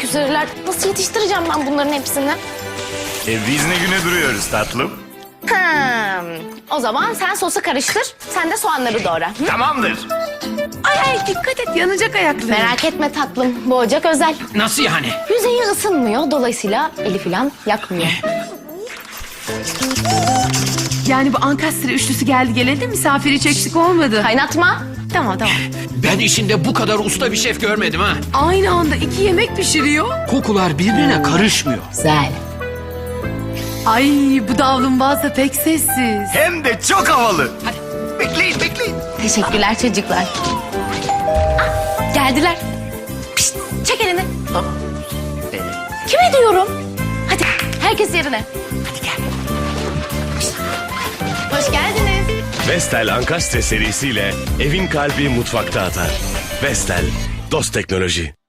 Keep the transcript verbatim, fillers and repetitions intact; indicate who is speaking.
Speaker 1: olmak üzereler. Nasıl yetiştireceğim ben bunların hepsini?
Speaker 2: E biz ne güne duruyoruz tatlım?
Speaker 1: Hmm. O zaman sen sosu karıştır, sen de soğanları doğra. Hı?
Speaker 2: Tamamdır.
Speaker 3: Ay ay dikkat et yanacak ayakları.
Speaker 1: Merak etme tatlım, bu ocak özel.
Speaker 4: Nasıl yani?
Speaker 1: Yüzeyi ısınmıyor, dolayısıyla eli falan yakmıyor.
Speaker 3: Yani bu ankastre üçlüsü geldi geleli de misafir hiç eksik olmadı.
Speaker 1: Kaynatma.
Speaker 3: Tamam tamam.
Speaker 4: Ben işinde bu kadar usta bir şef görmedim ha.
Speaker 3: Aynı anda iki yemek pişiriyor.
Speaker 4: Kokular birbirine karışmıyor.
Speaker 1: Güzel.
Speaker 3: Ay bu davlumbaz da pek sessiz.
Speaker 2: Hem de çok havalı. Hadi bekleyin bekleyin.
Speaker 1: Teşekkürler çocuklar. Ah, geldiler. Pişt, çek elini. Kime diyorum? Hadi herkes yerine. Hadi gel. Pişt. Hoş geldiniz.
Speaker 5: Vestel Ankastre serisiyle evin kalbi mutfakta atar. Vestel, dost teknoloji.